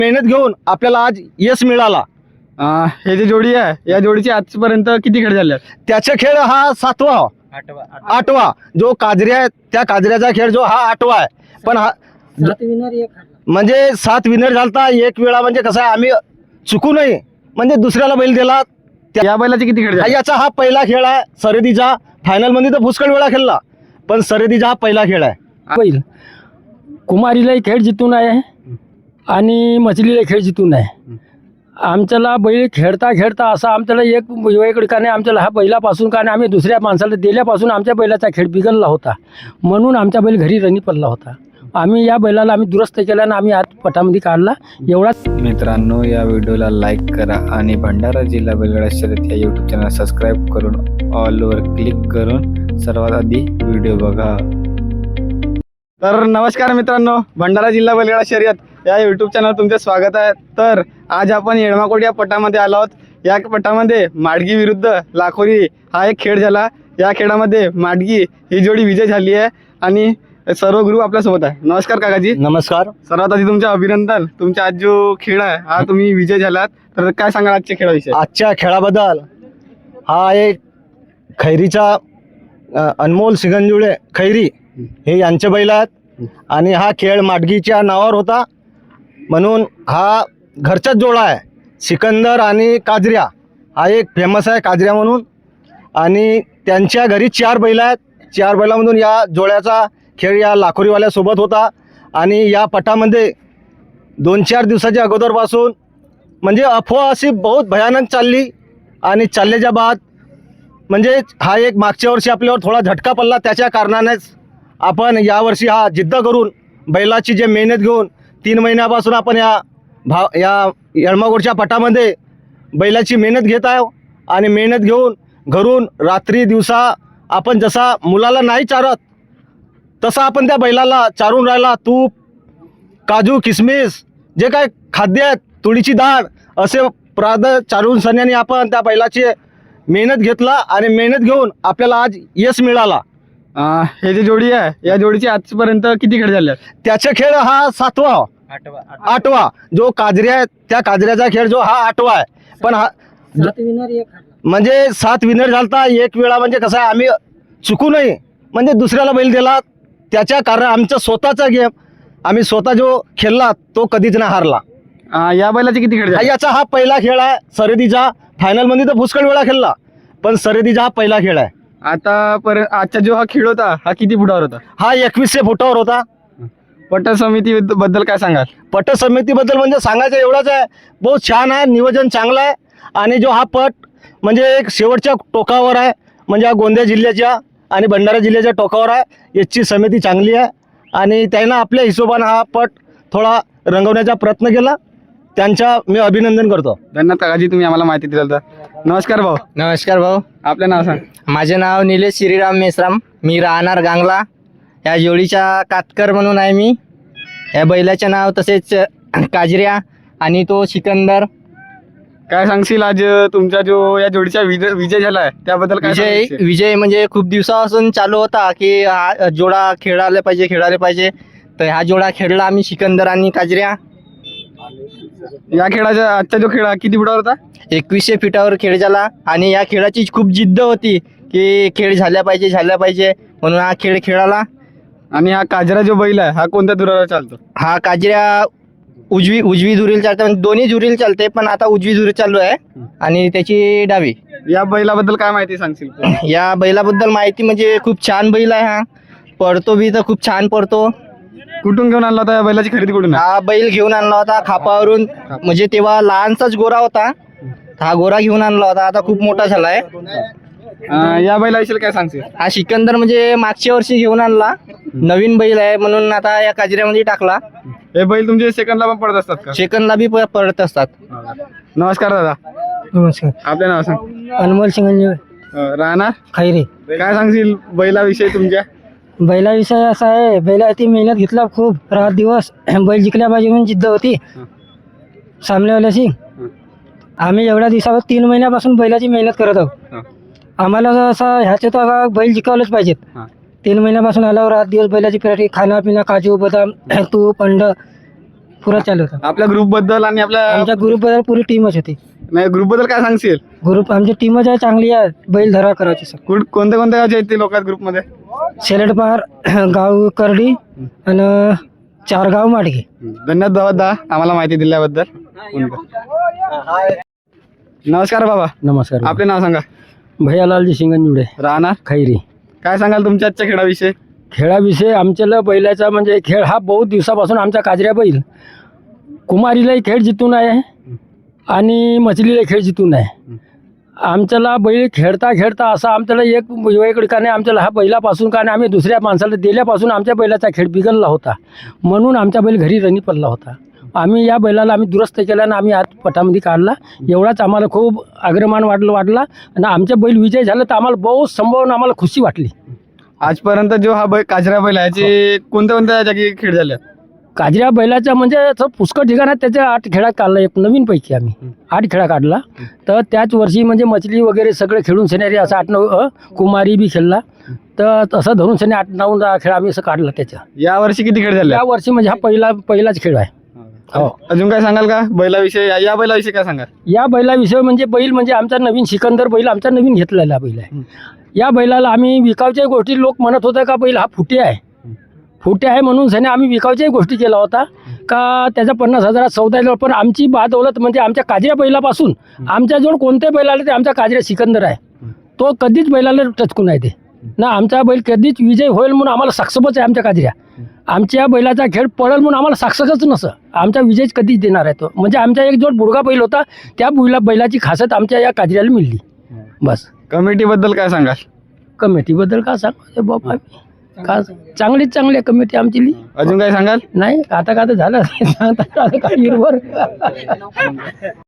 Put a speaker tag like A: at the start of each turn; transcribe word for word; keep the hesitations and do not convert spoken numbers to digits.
A: मेहनत घेऊन आपल्याला आज यश मिळाला.
B: अं, हे जे जोडी आहे या जोडीचे आजपर्यंत किती खेळ झाले आहेत?
A: त्याचा खेळ हा सातवा आठवा जो काजऱ्या आहे त्या काजऱ्याचा खेळ जो हा आठवा आहे. पण हा म्हणजे सात विनर झालता एक वेळा. म्हणजे कसं आहे आम्ही चुकू नये म्हणजे दुसऱ्याला बैल दिला. त्या-
B: या बैलाचे किती खेळ झाले?
A: याचा हा पहिला खेळ आहे शर्यतीचा. फायनल मध्ये तर पुष्कळ वेळा खेळला पण शर्यतीचा हा पहिला खेळ आहे.
C: बैल कुमारीलाही खेळ जितून आहे आणि मछलीला खेळ जितून आहे. आमच्याला बैल खेळता खेळता असा आमच्याला एक वेगळं का नाही आमच्याला हा बैलापासून का नाही आम्ही दुसऱ्या माणसाला दिल्यापासून आमच्या बैलाचा खेळ बिघडला होता म्हणून आमचा बैल घरी रनी पडला होता. आम्ही या बैलाला आम्ही दुरुस्त केला आणि आम्ही आज पटामध्ये काढला एवढाच.
D: मित्रांनो, या व्हिडिओला लाईक करा आणि भंडारा जिल्हा बैलगाडा शर्यत या यूट्यूब चॅनल सबस्क्राईब करून ऑलवर क्लिक करून सर्वात आधी व्हिडिओ बघा.
B: तर नमस्कार मित्रांनो, भंडारा जिल्हा बैलगाडा शर्यत या यूट्यूब चॅनल तुमचे स्वागत आहे. तर आज आपण येळमाकोट या पटामध्ये आलो आहोत. या पटामध्ये माडगी विरुद्ध लाखोरी हा एक खेळ झाला. या खेळामध्ये माडगी ही जोडी विजय झाली आहे आणि सर्व गुरु आपल्यासोबत आहे. नमस्कार काकाजी.
A: नमस्कार.
B: सर्वात आधी तुमचे अभिनंदन. तुमचा आज जो खेळ आहे हा तुम्ही विजय झालात, तर काय सांगाल आजच्या खेळाविषयी?
A: आजच्या खेळाबद्दल हा एक खैरीचा अ, अनमोल सिगंजुळे खैरी हे यांचे बैल आहेत आणि हा खेळ माडगीच्या नावावर होता म्हणून हा घरचाच जोडा आहे. सिकंदर आणि काजऱ्या हा एक फेमस आहे काजऱ्या म्हणून आणि त्यांच्या घरी चार बैल आहेत. चार बैलामधून या जोड्याचा खेळ या लाखोरीवाल्यासोबत होता आणि या पटामध्ये दोन चार दिवसाच्या अगोदरपासून म्हणजे अफवा अशी बहुत भयानक चालली आणि चालल्याच्या बाद म्हणजे हा एक मागच्या वर्षी आपल्यावर थोडा झटका पडला. त्याच्या कारणानेच आपण यावर्षी हा जिद्द करून बैलाची जे मेहनत घेऊन तीन महिन्यापासून आपण या भा या येळमाकोटच्या पटामध्ये बैलाची मेहनत घेत आहे आणि मेहनत घेऊन घरून रात्री दिवसा आपण जसा मुलाला नाही चारत तसा आपण त्या बैलाला चारून राहिला. तूप, काजू, किसमिस जे काय खाद्य आहेत, तुळीची डाळ असे प्राद चारून सण्याने आपण त्या बैलाची मेहनत घेतला आणि मेहनत घेऊन आपल्याला आज यश मिळाला.
B: अं, हे जे जोडी आहे या जोडीचे आजपर्यंत किती खेळ झाले आहेत?
A: त्याचा खेळ हा सातवा आठवा जो काजऱ्या आहे त्या काजऱ्याचा खेळ जो हा आठवा आहे. पण हा म्हणजे सात विनर झालता एक वेळा. म्हणजे कसं आहे आम्ही चुकू नये म्हणजे दुसऱ्याला बैल दिला. त्याच्या कारण आमचा स्वतःचा गेम आम्ही स्वतः जो खेळला तो कधीच नाही हारला.
B: अं, या बैलाचे किती खेळ झाले?
A: याचा हा पहिला खेळ आहे शर्यतीचा. फायनल मध्ये तर पुष्कळ वेळा खेळला पण शर्यतीचा हा पहिला खेळ आहे.
B: आतापर्यंत आजचा जो हा खेळ होता हा किती फुटावर होता?
A: हा एकवीसशे फुटावर होता.
B: पट समिती बद्दल काय सांगाल?
A: पट समितीबद्दल म्हणजे सांगायचं एवढंच आहे, बहुत छान आहे, नियोजन चांगलं आहे आणि जो हा पट म्हणजे एक शेवटच्या टोकावर आहे म्हणजे हा गोंदिया जिल्ह्याच्या आणि भंडारा जिल्ह्याच्या टोकावर आहे. याची समिती चांगली आहे आणि त्यानं आपल्या हिशोबानं हा पट थोडा रंगवण्याचा प्रयत्न केला. त्यांचा मी अभिनंदन करतो.
B: धन्यवाद काकाजी, तुम्ही आम्हाला माहिती दिली. तर नमस्कार भाऊ.
D: नमस्कार भाऊ.
B: आपलं नाव सांग.
D: माझे नाव निलेश श्रीराम मेश्राम. मी राहणार गांगला. या जोडीचा कातकर म्हणून आहे मी. या बैलाचे नाव तसेच काजऱ्या आणि तो सिकंदर.
B: काय सांगशील आज तुमचा जो या जोडीचा विजय विजय झालाय त्याबद्दल काय
D: विजय
B: सांगशील?
D: विजय म्हणजे खूप दिवसापासून चालू होता की हा जोडा खेळायला पाहिजे खेळायला पाहिजे. तर हा जोडा खेळला आम्ही सिकंदर आणि काजऱ्या.
B: या खेळाचा आजचा जो खेळ हा किती फुटावर होता?
D: एकवीसशे फिटावर खेळ झाला आणि या खेळाची खूप जिद्द होती की खेळ झाल्या पाहिजे झाल्या पाहिजे म्हणून हा खेळ खेळाला.
B: आणि हा काजरा जो बैल आहे हा कोणत्या दुरावर चालतो?
D: हा काजऱ्या उजवी उजवी धुरील चालते म्हणजे दोन्ही धुरील चालते पण आता उजवी धुरी चालू आहे आणि त्याची डावी.
B: या बैलाबद्दल काय माहिती सांगशील?
D: या बैलाबद्दल माहिती म्हणजे खूप छान बैल आहे. हा पडतो बी तर खूप छान पडतो.
B: कुठून घेऊन आणला होता या बैलाची खरेदी कुठून?
D: हा बैल घेऊन आणला होता खापावरून. म्हणजे तेव्हा लहानसाच गोरा होता. हा गोरा घेऊन आणला होता, आता खूप मोठा झालाय.
B: अं, या बैलाविषयी काय सांगशील?
D: हा सिकंदर म्हणजे मागच्या वर्षी घेऊन आणला. नवीन बैल आहे म्हणून आता या काजऱ्यामध्ये टाकला.
B: हे बैल तुमचे सेकंदला पण पडत असतात का?
D: सेकंदला बी प- पडत असतात.
B: नमस्कार दादा.
C: नमस्कार.
B: आपलं नाव सांग.
C: अनमोल सिंगंजुळे
B: अं, राहणार
C: खैरी.
B: काय सांगशील बैलाविषयी तुमच्या?
C: बैलाविषयी असा आहे, बैला ती मेहनत घेतला खूप रात दिवस. बैल जिंकल्या पाहिजे म्हणून जिद्द होती सामनेवाल्याची. आम्ही एवढ्या दिवसावर तीन महिन्यापासून बैलाची मेहनत करत आहोत. आम्हाला असं ह्याच्यात आता बैल जिंकावलंच पाहिजेत. तीन महिन्यापासून आल्यावर रात दिवस बैलाची प्रॅक्टिस, खाणं पिणं, काजू बदाम तूप अंड पुरा चालू होता.
B: आपल्या ग्रुप बद्दल आणि आपल्या
C: आमच्या ग्रुपबद्दल पुरी टीमच होती.
B: नाही ग्रुप बद्दल काय सांगशील?
C: ग्रुप आमची टीमच आहे चांगली आहे. बैल धरा करायची सर.
B: कुठ कोणत्या कोणत्या गावचे आहेत ते लोक ग्रुप मध्ये?
C: शेलडपार गाव करडी आणि चारगाव माडगे.
B: धन्यवाद बाबा दा आम्हाला माहिती दिल्याबद्दल. नमस्कार बाबा.
C: नमस्कार.
B: आपले नाव सांगा.
C: भैयालालजी शिंगणजुडे,
B: राहणार
C: खैरी.
B: काय सांगाल तुमच्या आजच्या खेळाविषयी?
C: खेळाविषयी आमच्याला बैलाचा म्हणजे खेळ हा बहुत दिवसापासून आमचा काजऱ्या बैल कुमारीलाही खेळ जितून आहे आणि मछलीला खेळ जितून आहे. आमच्याला बैल खेळता खेळता असा आमच्याला एक वेगळी का नाही आमच्याला हा बैलापासून का नाही आम्ही दुसऱ्या माणसाला दिल्यापासून आमच्या बैलाचा खेळ बिघडला होता. म्हणून आमचा बैल घरी रनी पडला होता. आम्ही या बैलाला आम्ही दुरुस्त केला आणि आम्ही आज पटामध्ये काढला. एवढाच आम्हाला खूप अग्रमान वाटलं वाटला आणि आमच्या बैल विजय झाला तर आम्हाला बहुत संभावना आम्हाला खुशी वाटली.
B: आजपर्यंत जो हा बैल काजऱ्या बैल आहे याचे कोणत्या कोणत्या जागी खेळ झाले?
C: काजऱ्या बैलाचा म्हणजे असं पुष्कळ ठिकाण आहे त्याच्या आठ खेळात काढला. एक नवीन पैकी आम्ही आठ खेळा काढला. तर त्याच वर्षी म्हणजे मछली वगैरे सगळे खेळून सेनारी असं आठ नऊ अ, कुमारी बी खेळला. तर तसं धरून सेने आठ नऊ दहा खेळ आम्ही असं काढला त्याच्या.
B: या वर्षी किती खेळ झाले?
C: या वर्षी म्हणजे हा पहिला पहिलाच खेळ आहे. हो.
B: अजून काय सांगाल का बैलाविषयी? या- या बैलाविषयी काय सांगाल?
C: या बैलाविषयी म्हणजे बैल म्हणजे आमचा नवीन सिकंदर बैल आमचा नवीन घेतलेला बैल आहे. या बैलाला आम्ही विकावच्या गोष्टी लोक म्हणत होते का बैल हा फुटे आहे फुटे आहे म्हणून सने आम्ही विकावच्याही गोष्टी केला होता का त्याचा पन्नास हजारात सौदा आहे. पण आमची बादौलत म्हणजे आमच्या काजऱ्या बैलापासून आमच्याजवळ कोणते बैल आले ते आमचा काजऱ्या सिकंदर आहे. तो कधीच बैलाला टचकून आहे ते ना. आमचा बैल कधीच विजय होईल म्हणून आम्हाला साक्षपच आहे आमच्या काजऱ्या. आमच्या बैलाचा खेळ पडेल म्हणून आम्हाला साक्षकच नसं. आमचा विजय कधीच देणार आहे तो. म्हणजे आमचा एक जो बुडगा बैल होता त्या बैला बैलाची खासियत आमच्या या काजऱ्याला मिळली. बस.
B: कमिटीबद्दल काय सांगाल?
C: कमिटीबद्दल का सांगा बाबा का चांगलीच चांगली आहे कमिटी आमची.
B: अजून काय सांगाल?
C: नाही आता का तर झालं सांगता काही